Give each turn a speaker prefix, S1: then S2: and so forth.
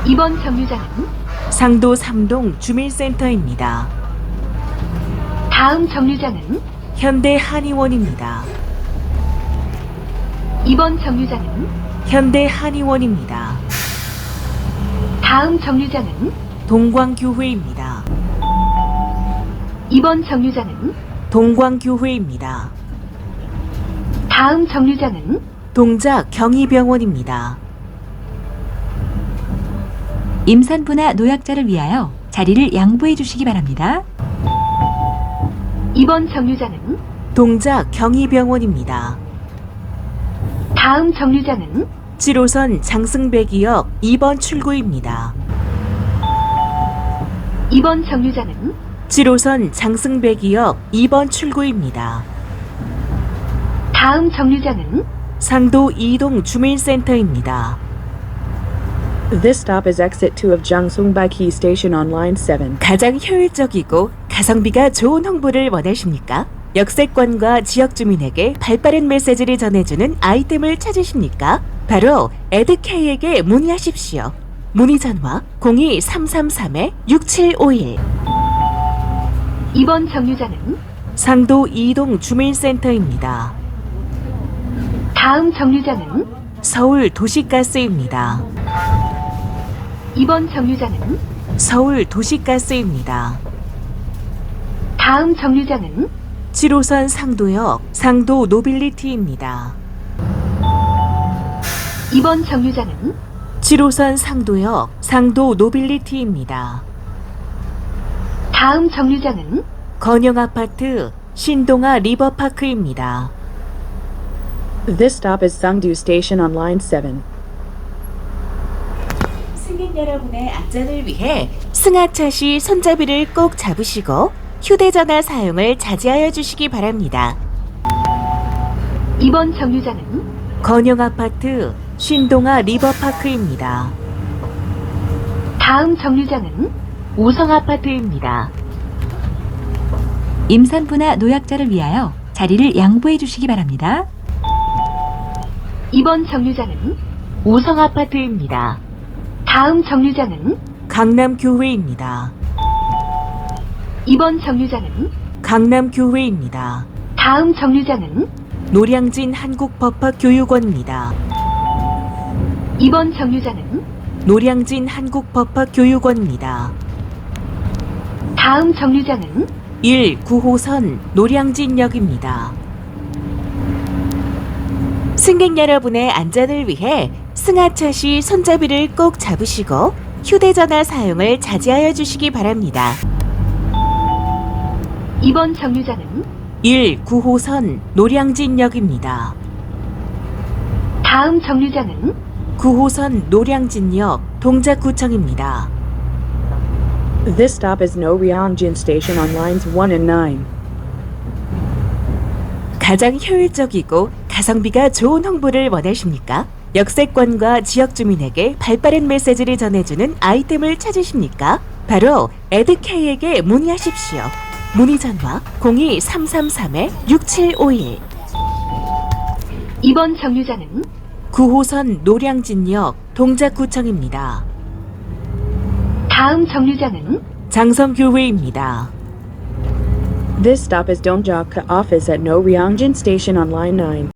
S1: 이번 정류장은
S2: 상도 3동 주민센터입니다.
S1: 다음 정류장은
S2: 현대 한의원입니다.
S1: 이번 정류장은
S2: 현대 한의원입니다.
S1: 다음 정류장은
S2: 동광교회입니다.
S1: 이번 정류장은
S2: 동광교회입니다.
S1: 다음 정류장은
S2: 동작 경희병원입니다.
S3: 임산부나 노약자를 위하여 자리를 양보해 주시기 바랍니다.
S1: 이번 정류장은
S2: 동작 경희병원입니다.
S1: 다음 정류장은
S2: 7호선 장승배기역 2번 출구입니다.
S1: 이번 정류장은
S2: 7호선 장승배기역 2번 출구입니다.
S1: 다음 정류장은
S2: 상도 2동 주민센터입니다.
S4: This stop is exit 2 of Jiangsungbagi Station on line 7.
S2: 가장 효율적이고 가성비가 좋은 홍보를 원하십니까? 역세권과 지역 주민에게 발빠른 메시지를 전해주는 아이템을 찾으십니까? 바로 에드케이에게 문의하십시오. 문의 전화 02333-6751.
S1: 이번 정류장은
S2: 상도 2동 주민센터입니다.
S1: 다음 정류장은
S2: 서울 도시가스입니다.
S1: 이번 정류장은
S2: 서울 도시가스입니다.
S1: 다음 정류장은
S2: 7호선 상도역 상도 노빌리티입니다.
S1: 이번 정류장은
S2: 7호선 상도역 상도 노빌리티입니다.
S1: 다음 정류장은
S2: 건영아파트 신동아 리버파크입니다.
S4: This stop is Sangdu Station on line 7.
S2: 승객 여러분의 안전을 위해 승하차 시 손잡이를 꼭 잡으시고 휴대전화 사용을 자제하여 주시기 바랍니다.
S1: 이번 정류장은
S2: 건영아파트 신동아 리버파크입니다.
S1: 다음 정류장은
S2: 우성아파트입니다.
S3: 임산부나 노약자를 위하여 자리를 양보해 주시기 바랍니다.
S1: 이번 정류장은
S2: 우성아파트입니다.
S1: 다음 정류장은
S2: 강남교회입니다.
S1: 이번 정류장은
S2: 강남교회입니다.
S1: 다음 정류장은
S2: 노량진 한국법학교육원입니다.
S1: 이번 정류장은
S2: 노량진 한국법학교육원입니다.
S1: 다음 정류장은
S2: 9호선 노량진역입니다. 승객 여러분의 안전을 위해 승하차 시 손잡이를 꼭 잡으시고 휴대전화 사용을 자제하여 주시기 바랍니다.
S1: 이번 정류장은
S2: 9호선 노량진역입니다.
S1: 다음 정류장은
S2: 9호선 노량진역 동작구청입니다.
S4: This stop is Noryangjin Station on lines 1 and 9.
S2: 가장 효율적이고 가성비가 좋은 홍보를 원하십니까? 역세권과 지역 주민에게 발빠른 메시지를 전해주는 아이템을 찾으십니까? 바로 에드케이에게 문의하십시오. 문의 전화 02333-6751.
S1: 이번 정류장은
S2: 9호선 노량진역 동작구청입니다.
S1: 다음 정류장은
S2: 장성교회입니다.
S4: This stop is Dongjak Office at Noryangjin Station on line 9.